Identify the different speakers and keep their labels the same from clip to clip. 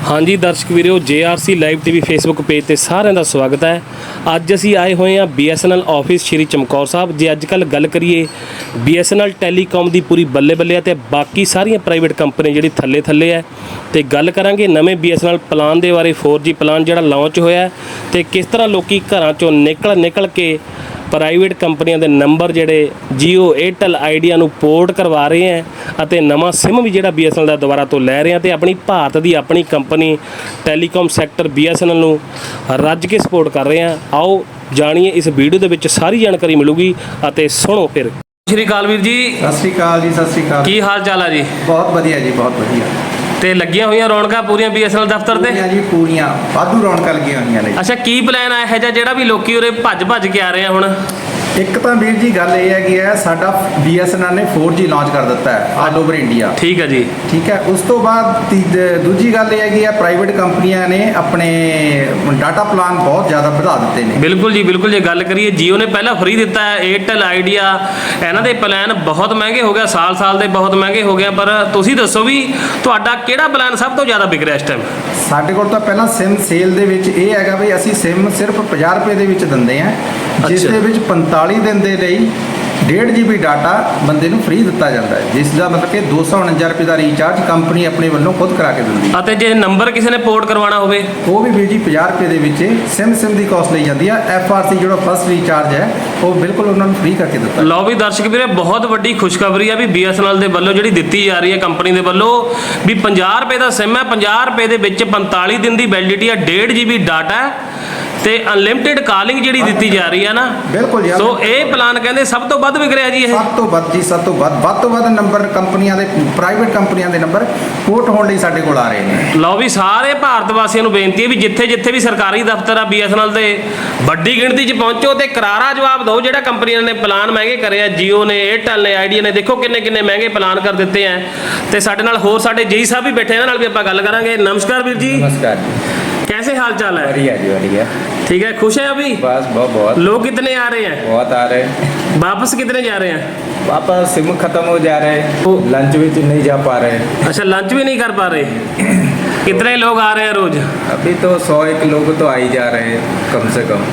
Speaker 1: हाँ जी दर्शक वीरो JRC live TV Facebook page ते सारिਆਂ ਦਾ ਸਵਾਗਤ है। ਅੱਜ ਅਸੀਂ ਆਏ ਹੋਏ ਹਾਂ BSNL ਆਫਿਸ ਸ਼੍ਰੀ ਚਮਕੌਰ ਸਾਹਿਬ। ਜੇ ਅੱਜ ਕੱਲ੍ਹ ਗੱਲ ਕਰੀਏ BSNL ਟੈਲੀਕਾਮ ਦੀ ਪੂਰੀ ਬੱਲੇ ਬੱਲੇ ਹੈ ਤੇ ਬਾਕੀ ਸਾਰੀਆਂ ਪ੍ਰਾਈਵੇਟ ਕੰਪਨੀ ਜਿਹੜੀ ਥੱਲੇ ਥੱਲੇ ਹੈ ਤੇ ਗੱਲ ਕਰਾਂਗੇ ਨਵੇਂ BSNL ਪਲਾਨ ਦੇ ਬਾਰੇ। 4G ਪਲਾਨ ਜਿਹੜਾ ਲਾਂਚ ਹੋਇਆ ਤੇ ਕਿਸ ਤਰ੍ਹਾਂ ਲੋਕੀ ਘਰਾਂ ਚੋਂ ਨਿਕਲ ਕੇ ਪ੍ਰਾਈਵੇਟ ਕੰਪਨੀਆਂ ਦੇ ਨੰਬਰ ਜਿਹੜੇ Jio Airtel Idea ਨੂੰ ਪੋਰਟ ਕਰਵਾ ਰਹੇ ਹੈ ਅਤੇ ਨਵਾਂ ਸਿਮ ਵੀ ਜਿਹੜਾ BSNL ਦਾ ਦੁਬਾਰਾ ਤੋਂ ਲੈ ਰਹੇ ਆ ਤੇ ਆਪਣੀ ਭਾਰਤ ਦੀ ਆਪਣੀ ਕੰਪਨੀ ਟੈਲੀਕਾਮ ਸੈਕਟਰ BSNL ਨੂੰ ਰੱਜ ਕੇ ਸਪੋਰਟ ਕਰ ਰਹੇ ਆ। ਆਓ ਜਾਣੀਏ ਇਸ ਵੀਡੀਓ ਦੇ ਵਿੱਚ ਸਾਰੀ ਜਾਣਕਾਰੀ ਮਿਲੂਗੀ ਅਤੇ ਸੁਣੋ ਫਿਰ। ਸਤਿ ਸ਼੍ਰੀ ਅਕਾਲ ਵੀਰ ਜੀ।
Speaker 2: ਸਤਿ ਸ਼੍ਰੀ ਅਕਾਲ ਜੀ। ਸਤਿ ਸ਼੍ਰੀ ਅਕਾਲ।
Speaker 1: ਕੀ ਹਾਲ ਚਾਲ ਆ ਜੀ?
Speaker 2: ਬਹੁਤ ਵਧੀਆ ਜੀ, ਬਹੁਤ ਵਧੀਆ।
Speaker 1: ਤੇ ਲੱਗੀਆਂ ਹੋਈਆਂ ਰੌਣਕਾਂ ਪੂਰੀਆਂ BSNL ਦਫ਼ਤਰ ਤੇ?
Speaker 2: ਜੀ ਪੂਰੀਆਂ ਵਾਧੂ ਰੌਣਕਾਂ ਲੱਗੀਆਂ ਹੋਈਆਂ ਨੇ।
Speaker 1: ਅੱਛਾ, ਕੀ ਪਲਾਨ ਆ ਇਹੋ ਜਿਹਾ ਜਿਹੜਾ ਵੀ ਲੋਕੀ ਉਰੇ ਭੱਜ ਕੇ ਆ ਰਹੇ ਆ ਹੁਣ?
Speaker 2: ਇੱਕ ਤਾਂ ਵੀਰ ਜੀ ਗੱਲ ਇਹ ਹੈਗੀ ਹੈ, ਸਾਡਾ BSNL ਨੇ 4G ਲਾਂਚ ਕਰ ਦਿੱਤਾ ਹੈ ਆਲ ਓਵਰ ਇੰਡੀਆ।
Speaker 1: ਠੀਕ ਹੈ ਜੀ।
Speaker 2: ਠੀਕ ਹੈ। ਉਸ ਤੋਂ ਬਾਅਦ ਦੂਜੀ ਗੱਲ ਇਹ ਹੈਗੀ ਹੈ, ਪ੍ਰਾਈਵੇਟ ਕੰਪਨੀਆਂ ਨੇ ਆਪਣੇ ਡਾਟਾ ਪਲਾਨ ਬਹੁਤ ਜ਼ਿਆਦਾ ਵਧਾ ਦਿੱਤੇ ਨੇ।
Speaker 1: ਬਿਲਕੁਲ ਜੀ, ਬਿਲਕੁਲ। ਜੇ ਗੱਲ ਕਰੀਏ Jio ਨੇ ਪਹਿਲਾਂ ਫ੍ਰੀ ਦਿੱਤਾ ਹੈ, Airtel Idea ਇਹਨਾਂ ਦੇ ਪਲਾਨ ਬਹੁਤ ਮਹਿੰਗੇ ਹੋ ਗਿਆ, ਸਾਲ ਦੇ ਬਹੁਤ ਮਹਿੰਗੇ ਹੋ ਗਏ। ਪਰ ਤੁਸੀਂ ਦੱਸੋ ਵੀ ਤੁਹਾਡਾ ਕਿਹੜਾ ਪਲਾਨ ਸਭ ਤੋਂ ਜ਼ਿਆਦਾ ਵਿਕ ਰਿਹਾ ਇਸ ਟਾਈਮ?
Speaker 2: ਸਾਡੇ ਕੋਲ ਤਾਂ ਪਹਿਲਾਂ ਸਿਮ ਸੇਲ ਦੇ ਵਿੱਚ ਇਹ ਹੈਗਾ ਵੀ ਅਸੀਂ ਸਿਮ ਸਿਰਫ 50 ਰੁਪਏ ਦੇ ਵਿੱਚ ਦਿੰਦੇ ਹਾਂ, ਜਿਸ ਦੇ ਵਿੱਚ 45 ਦਿਨ ਦੇ ਲਈ 1.5 GB ਡਾਟਾ ਬੰਦੇ ਨੂੰ ਫ੍ਰੀ ਦਿੱਤਾ ਜਾਂਦਾ ਹੈ, ਜਿਸ ਦਾ ਮਤਲਬ ਕਿ 249 ਰੁਪਏ ਦਾ ਰੀਚਾਰਜ ਕੰਪਨੀ ਆਪਣੇ ਵੱਲੋਂ ਖੁਦ ਕਰਾ ਕੇ ਦਿੰਦੀ ਹੈ।
Speaker 1: ਅਤੇ ਜੇ ਨੰਬਰ ਕਿਸੇ ਨੇ ਪੋਰਟ ਕਰਵਾਉਣਾ ਹੋਵੇ
Speaker 2: ਉਹ ਵੀ ਵੀਰ ਜੀ 50 ਰੁਪਏ ਦੇ ਵਿੱਚ ਸਿਮ ਦੀ ਕਾਸਟ ਲਈ ਜਾਂਦੀ ਹੈ। FRC ਜਿਹੜਾ ਫਸਟ ਰੀਚਾਰਜ ਹੈ ਉਹ ਬਿਲਕੁਲ ਉਹਨਾਂ ਨੂੰ ਫ੍ਰੀ ਕਰਕੇ ਦਿੱਤਾ।
Speaker 1: ਲਓ ਵੀ ਦਰਸ਼ਕ ਵੀਰੇ, ਬਹੁਤ ਵੱਡੀ ਖੁਸ਼ਖਬਰੀ ਆ ਵੀ BSNL ਦੇ ਵੱਲੋਂ ਜਿਹੜੀ ਦਿੱਤੀ ਜਾ ਰਹੀ ਹੈ ਕੰਪਨੀ ਦੇ ਵੱਲੋਂ ਵੀ 50 ਰੁਪਏ ਦਾ ਸਿਮ ਹੈ, 50 ਰੁਪਏ ਦੇ ਵਿੱਚ 45 ਦਿਨ ਦੀ ਵੈਲਿਡਿਟੀ ਹੈ, 1.5 GB ਡਾਟਾ ਹੈ ਤੇ ਅਨਲਿਮਿਟਿਡ ਕਾਲਿੰਗ ਜਿਹੜੀ ਦਿੱਤੀ ਜਾ ਰਹੀ ਹੈ ਨਾ।
Speaker 2: ਬਿਲਕੁਲ ਜੀ।
Speaker 1: ਸੋ ਇਹ ਪਲਾਨ ਕਹਿੰਦੇ ਸਭ ਤੋਂ ਵੱਧ ਵਿਕ ਰਿਹਾ ਜੀ। ਇਹ
Speaker 2: ਸਭ ਤੋਂ ਵੱਧ ਜੀ, ਸਭ ਤੋਂ ਵੱਧ ਨੰਬਰ ਕੰਪਨੀਆਂ ਦੇ, ਪ੍ਰਾਈਵੇਟ ਕੰਪਨੀਆਂ ਦੇ ਨੰਬਰ ਪੋਰਟ ਹੋਣ ਲਈ ਸਾਡੇ ਕੋਲ ਆ ਰਹੇ ਨੇ।
Speaker 1: ਲਓ ਵੀ ਸਾਰੇ ਭਾਰਤ ਵਾਸੀਆਂ ਨੂੰ ਬੇਨਤੀ ਹੈ ਵੀ ਜਿੱਥੇ ਵੀ ਸਰਕਾਰੀ ਦਫ਼ਤਰ ਆ BSNL ਦੇ ਵੱਡੀ ਗਿਣਤੀ 'ਚ ਪਹੁੰਚੋ ਤੇ ਕਰਾਰਾ ਜਵਾਬ ਦਿਓ। ਜਿਹੜਾ ਕੰਪਨੀਆਂ ਨੇ ਪਲਾਨ ਮਹਿੰਗੇ ਕਰੇ ਆ, Jio ਨੇ, Airtel ਨੇ, Idea ਨੇ, ਦੇਖੋ ਕਿੰਨੇ ਮਹਿੰਗੇ ਪਲਾਨ ਕਰ ਦਿੱਤੇ ਆ। ਤੇ ਸਾਡੇ ਨਾਲ ਹੋਰ ਸਾਡੇ JI ਸਾਹਿਬ ਵੀ ਬੈਠੇ, ਇਹਨਾਂ ਨਾਲ ਵੀ ਆਪਾਂ ਗੱਲ ਕਰਾਂਗੇ। नमस्कार वीर जी।
Speaker 2: नमस्कार जी।
Speaker 1: कैसे हाल चाल है?
Speaker 2: बढ़िया जी, बढ़िया।
Speaker 1: ठीक है। खुश है अभी?
Speaker 2: बस बहुत।
Speaker 1: लोग कितने आ रहे हैं?
Speaker 2: बहुत आ रहे हैं।
Speaker 1: वापस कितने जा रहे हैं?
Speaker 2: वापस सिम खत्म हो जा रहे हैं, लंच भी नहीं जा पा रहे हैं।
Speaker 1: अच्छा, लंच भी नहीं कर पा रहे। कितने लोग आ रहे हैं रोज?
Speaker 2: अभी तो 100-1 लोग तो आ ही जा रहे हैं कम से कम।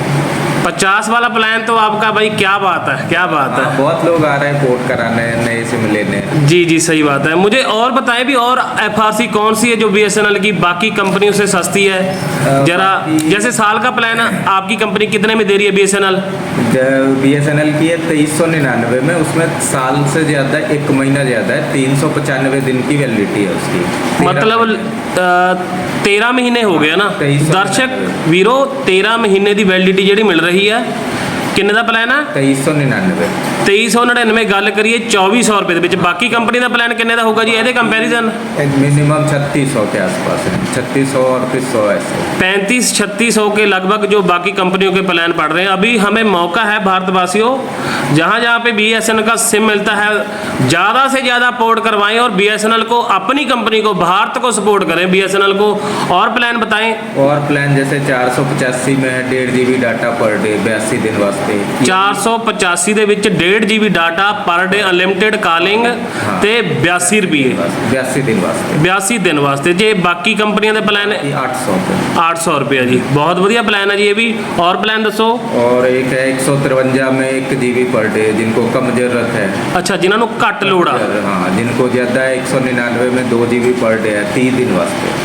Speaker 1: 50 वाला प्लान तो आपका भाई क्या बात है, क्या बात है।
Speaker 2: बहुत लोग आ रहे हैं पोर्ट कराने, नए सिम लेने।
Speaker 1: जी सही बात है। मुझे और बताएं भी, और FRC कौन सी है जो BSNL की बाकी कंपनियों से सस्ती है? जरा जैसे साल का प्लान आपकी कंपनी कितने में दे रही है BSNL?
Speaker 2: BSNL की है 2399 में, उसमें साल से ज़्यादा 1 महीना ज़्यादा है, 395 दिन की वैलिडिटी है उसकी।
Speaker 1: मतलब 13 महीने हो गए ना दर्शक वीरो, 13 महीने की वैलिडिटी जी मिल रही है। किन्ने दा प्लान है? 2399। 2399 गल करिए 2400 रुपए ਦੇ ਵਿੱਚ। बाकी कंपनी का प्लान किन्ने ਦਾ होगा जी ਇਹਦੇ कंपैरिजन?
Speaker 2: मिनिमम 3600 के आसपास है, 3600 और 300 ऐसे
Speaker 1: 3500-3600 के लगभग जो बाकी कंपनियों के प्लान पड़ रहे हैं। अभी हमें मौका है भारतवासियों, जहाँ पे BSNL का सिम मिलता है ज़्यादा से ज़्यादा पोर्ट करवाएं और BSNL को, अपनी कंपनी को, भारत को सपोर्ट करें BSNL को। और प्लान बताएं।
Speaker 2: और प्लान जैसे 485 में है 1.5 GB डाटा पर डे 82 दिन वास्ते।
Speaker 1: 485 ਦੇ ਵਿੱਚ 1.5 GB ਡਾਟਾ ਪਰ ਡੇ, ਅਨਲਿਮਿਟਿਡ ਕਾਲਿੰਗ ਤੇ 82 ਰੁਪਏ 82 ਦਿਨ ਵਾਸਤੇ। ਜੇ ਬਾਕੀ ਕੰਪਨੀਆਂ ਦੇ ਪਲਾਨ 800 ਰੁਪਏ ਜੀ। ਬਹੁਤ ਵਧੀਆ ਪਲਾਨ ਹੈ ਜੀ ਇਹ ਵੀ। और प्लान दसो।
Speaker 2: और एक है 153 में 1 GB पर डे, जिनको कम जरूरत है।
Speaker 1: अच्छा, जिन्होंने घट लोड़ आ।
Speaker 2: हाँ, जिनको ज़्यादा है 199 में 2 GB पर डे है 30 दिन वास्ते।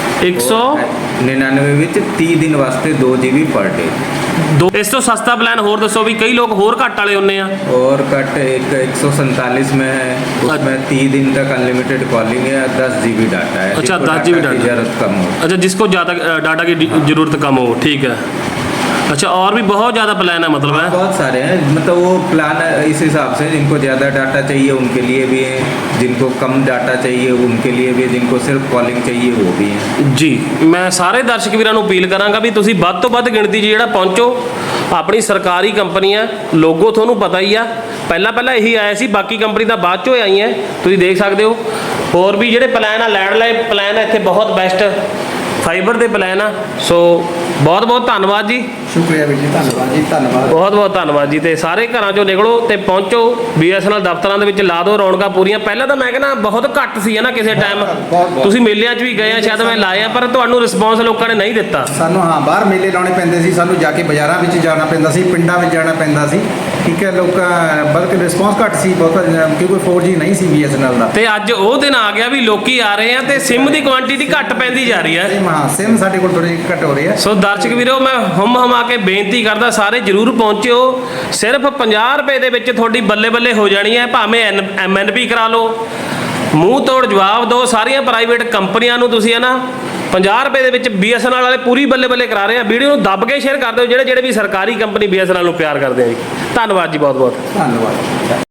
Speaker 2: 199 ਵਿੱਚ 30 ਦਿਨ ਵਾਸਤੇ 2 GB पर डे।
Speaker 1: ਇਸ ਤੋਂ ਸਸਤਾ ਪਲਾਨ ਹੋਰ ਦੱਸੋ ਵੀ, ਕਈ ਲੋਕ ਹੋਰ ਘੱਟ ਵਾਲੇ ਹੁੰਨੇ ਆ।
Speaker 2: और कट एक 147 में है, उसमें 30 दिन तक अनलिमिटेड कॉलिंग है, 10 GB डाटा है।
Speaker 1: अच्छा, 10 GB डाटा
Speaker 2: जरूरत कम हो।
Speaker 1: अच्छा, जिसको ज़्यादा डाटा की जरूरत कम हो, ठीक है। अच्छा, और भी बहुत ज़्यादा प्लान है मतलब है?
Speaker 2: बहुत सारे हैं, मतलब वो प्लान इस हिसाब से, जिनको ज़्यादा डाटा चाहिए उनके लिए भी है, जिनको कम डाटा चाहिए उनके लिए भी, जिनको सिर्फ कॉलिंग चाहिए वो भी है
Speaker 1: जी। मैं सारे दर्शक ਵੀਰਾਂ ਨੂੰ अपील करांगा भी ਤੁਸੀਂ ਵੱਧ ਤੋਂ ਵੱਧ ਗਿਣਤੀ 'ਚ ਜਿਹੜਾ ਪਹੁੰਚੋ। ਆਪਣੀ ਸਰਕਾਰੀ ਕੰਪਨੀ ਆ, ਲੋਗੋ ਤੁਹਾਨੂੰ ਪਤਾ ਹੀ ਆ, ਪਹਿਲਾਂ ਇਹੀ ਆਇਆ ਸੀ, ਬਾਕੀ ਕੰਪਨੀ ਤਾਂ ਬਾਅਦ 'ਚੋਂ ਆਈਆਂ, ਤੁਸੀਂ ਦੇਖ ਸਕਦੇ ਹੋ। ਹੋਰ ਵੀ ਜਿਹੜੇ ਪਲਾਨ ਆ, ਲੈਂਡਲਾਈਨ ਪਲਾਨ ਆ ਇੱਥੇ ਬਹੁਤ ਬੈਸਟ, ਫਾਈਬਰ ਦੇ ਪਲਾਨ ਆ। ਸੋ ਬਹੁਤ ਧੰਨਵਾਦ ਜੀ।
Speaker 2: ਸ਼ੁਕਰੀਆ ਵੀਰ ਜੀ, ਧੰਨਵਾਦ ਜੀ, ਧੰਨਵਾਦ।
Speaker 1: ਬਹੁਤ ਬਹੁਤ ਧੰਨਵਾਦ ਜੀ। ਤੇ ਸਾਰੇ ਘਰਾਂ ਚੋਂ ਨਿਕਲੋ ਤੇ ਪਹੁੰਚੋ BSNL ਦਫ਼ਤਰਾਂ ਦੇ ਵਿੱਚ, ਲਾ ਦਿਓ ਰੌਣਕਾਂ ਪੂਰੀਆਂ। ਪਹਿਲਾਂ ਤਾਂ ਮੈਂ ਕਹਿੰਦਾ ਬਹੁਤ ਘੱਟ ਸੀ ਹੈ ਨਾ, ਕਿਸੇ ਟਾਈਮ
Speaker 2: ਬਹੁਤ।
Speaker 1: ਤੁਸੀਂ ਮੇਲਿਆਂ 'ਚ ਵੀ ਗਏ ਆ, ਸ਼ਾਇਦ ਮੈਂ ਲਾਏ ਆ, ਪਰ ਤੁਹਾਨੂੰ ਰਿਸਪੌਂਸ ਲੋਕਾਂ ਨੇ ਨਹੀਂ ਦਿੱਤਾ।
Speaker 2: ਸਾਨੂੰ ਬਾਹਰ ਮੇਲੇ ਲਾਉਣੇ ਪੈਂਦੇ ਸੀ, ਸਾਨੂੰ ਜਾ ਕੇ ਬਾਜ਼ਾਰਾਂ ਵਿੱਚ ਜਾਣਾ ਪੈਂਦਾ ਸੀ, ਪਿੰਡਾਂ ਵਿੱਚ ਜਾਣਾ ਪੈਂਦਾ ਸੀ, ਠੀਕ ਹੈ। ਲੋਕਾਂ ਬਲਕਿ ਰਿਸਪੌਂਸ ਘੱਟ ਸੀ ਬਹੁਤ, ਕਿਉਂਕਿ 4G ਨਹੀਂ ਸੀ BSNL ਦਾ।
Speaker 1: ਤੇ ਅੱਜ ਉਹ ਦਿਨ ਆ ਗਿਆ ਵੀ ਲੋਕੀ ਆ ਰਹੇ ਆ ਤੇ ਸਿਮ ਦੀ ਕੁਆਂਟੀਟੀ ਘੱਟ ਪੈਂਦੀ ਜਾ ਰਹੀ ਹੈ।
Speaker 2: ਸਿਮ ਸਾਡੇ ਕੋਲ ਥੋੜੀ ਘੱਟ ਹੋ ਰਹੀ ਹੈ।
Speaker 1: ਸੋ ਦਰਸ਼ਕ ਵੀਰੋ, ਮੈਂ ਹਮਾ ਕੇ ਬੇਨਤੀ ਕਰਦਾ, ਸਾਰੇ ਜਰੂਰ ਪਹੁੰਚਿਓ। ਸਿਰਫ 50 ਰੁਪਏ ਦੇ ਵਿੱਚ ਤੁਹਾਡੀ ਬੱਲੇ ਬੱਲੇ ਹੋ ਜਾਣੀ ਹੈ। ਭਾਵੇਂ MNP ਕਰਾ ਲਓ, ਮੂੰਹ ਤੋੜ ਜਵਾਬ ਦਿਓ ਸਾਰੀਆਂ ਪ੍ਰਾਈਵੇਟ ਕੰਪਨੀਆਂ ਨੂੰ ਤੁਸੀਂ, ਹੈ ਨਾ। 50 ਰੁਪਏ ਦੇ ਵਿੱਚ BSNL ਵਾਲੇ ਪੂਰੀ ਬੱਲੇ ਬੱਲੇ ਕਰਾ ਰਹੇ ਆ। ਵੀਡੀਓ ਨੂੰ ਦੱਬ ਕੇ ਸ਼ੇਅਰ ਕਰ ਦਿਓ ਜਿਹੜੇ ਵੀ ਸਰਕਾਰੀ ਕੰਪਨੀ BSNL ਨੂੰ ਪਿਆਰ ਕਰਦੇ ਆ ਜੀ। ਧੰਨਵਾਦ ਜੀ, ਬਹੁਤ ਬਹੁਤ
Speaker 2: ਧੰਨਵਾਦ।